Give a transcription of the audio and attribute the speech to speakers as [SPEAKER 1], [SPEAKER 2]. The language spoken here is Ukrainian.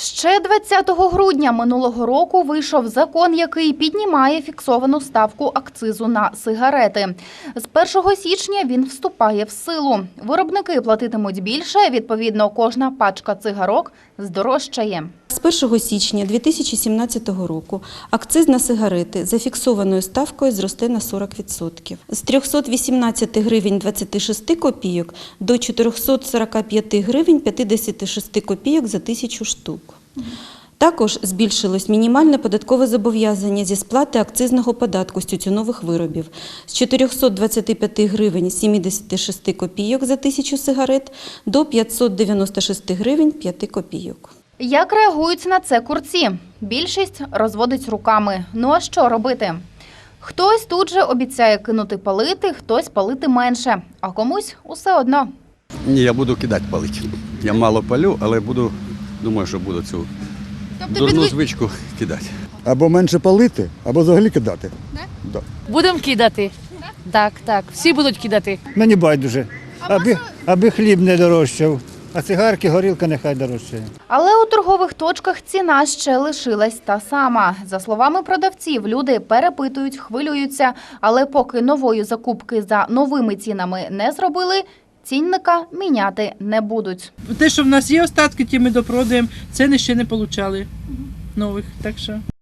[SPEAKER 1] Ще 20 грудня минулого року вийшов закон, який піднімає фіксовану ставку акцизу на сигарети. З 1 січня він вступає в силу. Виробники платитимуть більше, відповідно, кожна пачка цигарок здорожчає.
[SPEAKER 2] З 1 січня 2017 року акциз на сигарети за фіксованою ставкою зросте на 40%. З 318 гривень 26 копійок до 445 гривень 56 копійок за 1000 штук. Також збільшилось мінімальне податкове зобов'язання зі сплати акцизного податку з тютюнових виробів з 425 гривень 76 копійок за 1000 сигарет до 596 гривень 5 копійок.
[SPEAKER 1] Як реагують на це курці? Більшість розводить руками. Ну а що робити? Хтось тут же обіцяє кинути палити, хтось палити менше, а комусь усе одно.
[SPEAKER 3] Ні, я буду кидати палити. Я мало палю, але думаю, що буду цю дурну звичку кидати.
[SPEAKER 4] Або менше палити, або взагалі кидати. Да?
[SPEAKER 5] Будемо кидати. Так, всі будуть кидати.
[SPEAKER 6] Мені байдуже, аби хліб не дорожчав, а цигарки, горілка нехай дорожчає.
[SPEAKER 1] Але у торгових точках ціна ще лишилась та сама. За словами продавців, люди перепитують, хвилюються, але поки нової закупки за новими цінами не зробили, цінника міняти не будуть.
[SPEAKER 7] Те, що в нас є остатки, ті ми допродаємо, ціни ще не отримали нових, так що...